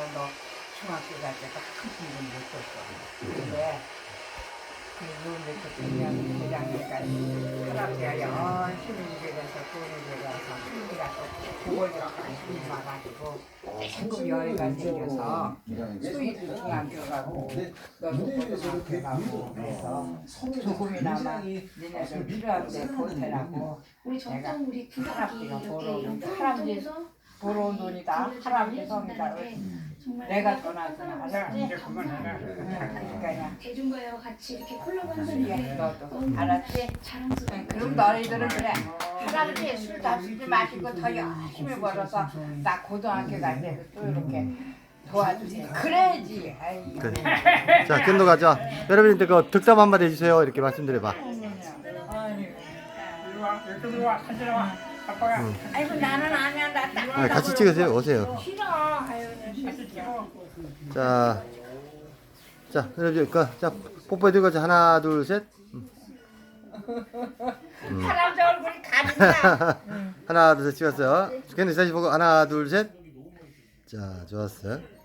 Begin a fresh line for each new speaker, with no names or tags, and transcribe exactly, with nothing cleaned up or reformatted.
너 중학교 갈 때도 큰 힘을 못 줬어. 근데 그 노은데 그 대면 대장님까지 할아버지가 열심히 일해서 돈을 들여서 우리가 또 그걸 좀 관심이 와가지고 지금 여기가 생겨서 수입 중학교 가고 너도 고등학교 가고 그래서 조금이나마 니네들 필요한데 보태라고
우리
내가
정성 우리
할아버지가
구각이
벌어
이렇게 이런
할아버지
통해서
벌어온 돈이다. 할아버지 성이다.
정말
내가 전화하잖아.
이제
그러니까 그냥
대중과와 같이 이렇게 콜라보
이게
한다는
너도 알았지?
자랑스러워.
그럼 너희들은 그래. 할아버지 술다 쓰지 마시고 더 열심히 벌어서 나 고등학교 갈 때도 또 이렇게 도와주세요. 그래야지. 아이.
그래. 자, 견도 가자. 여러분들 그 득담 한마디 해주세요. 이렇게 말씀드려봐. 응.
아이고 나는 아니야. 나 딱.
아, 같이 찍으세요. 오세요.
싫어. 아유, 같이 찍어.
자, 자, 여러분, 그, 자, 뽀뽀해드리고 하나, 둘, 셋. 음.
할아버지 얼굴이 가린다.
하나, 둘, 셋 찍었어요. 견도 다시 보고 하나, 둘, 셋. 자, 좋았어요.